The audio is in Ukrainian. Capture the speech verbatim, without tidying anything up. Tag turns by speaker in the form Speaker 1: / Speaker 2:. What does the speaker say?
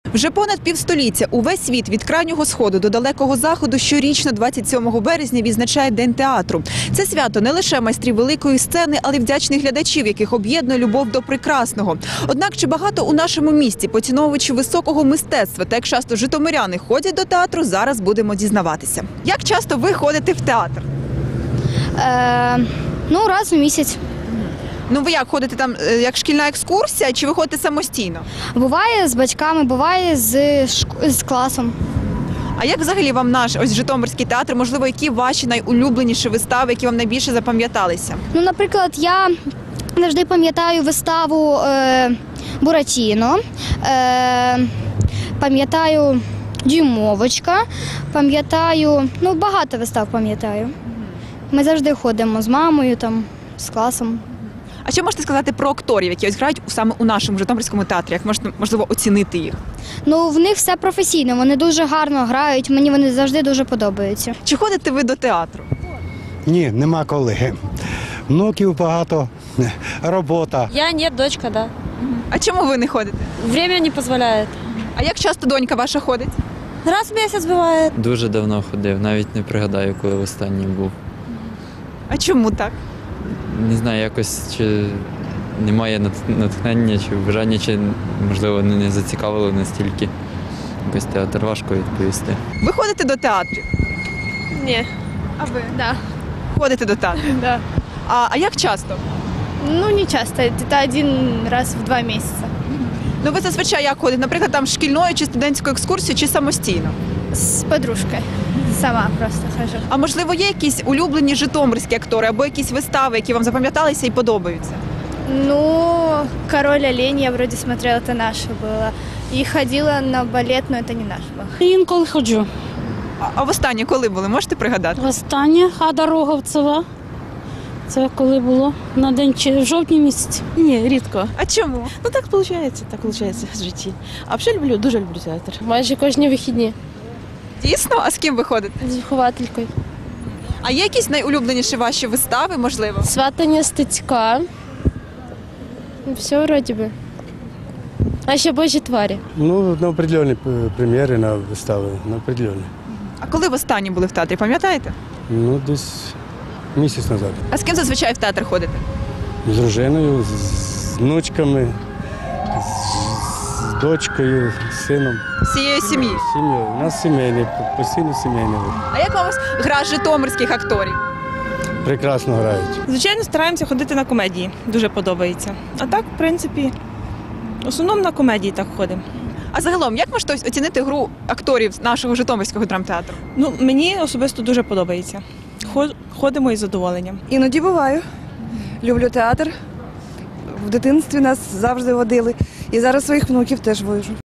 Speaker 1: Вже понад півстоліття увесь світ від крайнього сходу до далекого заходу щорічно двадцять сьомого березня відзначає День театру. Це свято не лише майстрів великої сцени, але й вдячних глядачів, яких об'єднує любов до прекрасного. Однак чи багато у нашому місті поціновувачів високого мистецтва та як часто житомиряни ходять до театру, зараз будемо дізнаватися. Як часто ви ходите в театр?
Speaker 2: Е, ну, раз у місяць.
Speaker 1: Ну ви як ходите там, е, як шкільна екскурсія, чи ви ходите самостійно?
Speaker 2: Буває з батьками, буває з, шк- з класом.
Speaker 1: А як взагалі вам наш ось Житомирський театр, можливо, які ваші найулюбленіші вистави, які вам найбільше запам'яталися?
Speaker 2: Ну, наприклад, я завжди пам'ятаю виставу е, Буратіно, е, пам'ятаю Дюймовочка, пам'ятаю, ну, багато вистав пам'ятаю. Ми завжди ходимо з мамою, там, з класом.
Speaker 1: А що можете сказати про акторів, які ось грають саме у нашому Житомирському театрі? Як можна, можливо, оцінити їх?
Speaker 2: Ну, в них все професійно, вони дуже гарно грають, мені вони завжди дуже подобаються.
Speaker 1: Чи ходите ви до театру?
Speaker 3: Ні, нема коли. Внуків багато, робота.
Speaker 4: Я нет, дочка, да.
Speaker 1: А чому ви не ходите?
Speaker 4: Время не позволяет.
Speaker 1: А як часто донька ваша ходить?
Speaker 4: Раз в месяц бывает.
Speaker 5: Дуже давно ходив, навіть не пригадаю, коли останній був.
Speaker 1: А чому так?
Speaker 5: Не знаю, якось чи немає нат- натхнення, чи бажання, чи, можливо, не не зацікавило настільки. Якось театр важко відповісти.
Speaker 1: Ви ходите до театрів?
Speaker 6: Не,
Speaker 1: А ви?
Speaker 6: да,
Speaker 1: Ходите до театру.
Speaker 6: да.
Speaker 1: А, а як часто?
Speaker 6: Ну, не часто, где-то один раз в два месяца.
Speaker 1: Ну ви зазвичай як ходите? Наприклад, там шкільною чи студентською екскурсією, чи самостійно?
Speaker 6: С подружкой. Сама просто хожу.
Speaker 1: А можливо, є якісь улюблені житомирські актори або якісь вистави, які вам запам'яталися і подобаються?
Speaker 6: Ну, «Король олень» я вроде смотрела, это наше было. И ходила на балет, но это не наш был.
Speaker 7: Інколи ходжу.
Speaker 1: А, а востаннє коли були? Можете пригадати?
Speaker 7: Востаннє Ада Роговцева. Це коли було на день чи в жовтні місяці.
Speaker 8: Ні, рідко.
Speaker 1: А чому?
Speaker 8: Ну так виходить, так виходить в житті. А взагалі люблю, дуже люблю театр.
Speaker 4: Майже кожні вихідні.
Speaker 1: Дійсно? А з ким ви ходите?
Speaker 4: З вихователькою.
Speaker 1: А є якісь найулюбленіші ваші вистави, можливо?
Speaker 4: Сватання Стецька. Все вроді би. А ще Божі тварі.
Speaker 3: Ну, на определенні прем'єри, на вистави, на определенні.
Speaker 1: А коли в останнє були в театрі, пам'ятаєте?
Speaker 3: Ну, десь місяць назад.
Speaker 1: А з ким зазвичай в театр ходите?
Speaker 3: З дружиною, з, з внучками, з, з дочкою, з сином.
Speaker 1: З цією сім'єю?
Speaker 3: Сім'єю. У нас сімейний, постійно сімейний.
Speaker 1: А як вам ось гра житомирських акторів?
Speaker 3: Прекрасно грають.
Speaker 8: Звичайно, стараємося ходити на комедії. Дуже подобається. А так, в принципі, в основному на комедії так ходимо.
Speaker 1: А загалом, як можете ось оцінити гру акторів нашого Житомирського драмтеатру?
Speaker 8: Ну, мені особисто дуже подобається. Хо- Ходимо із задоволенням.
Speaker 9: Іноді буваю. Люблю театр. В дитинстві нас завжди водили. І зараз своїх внуків теж вожу.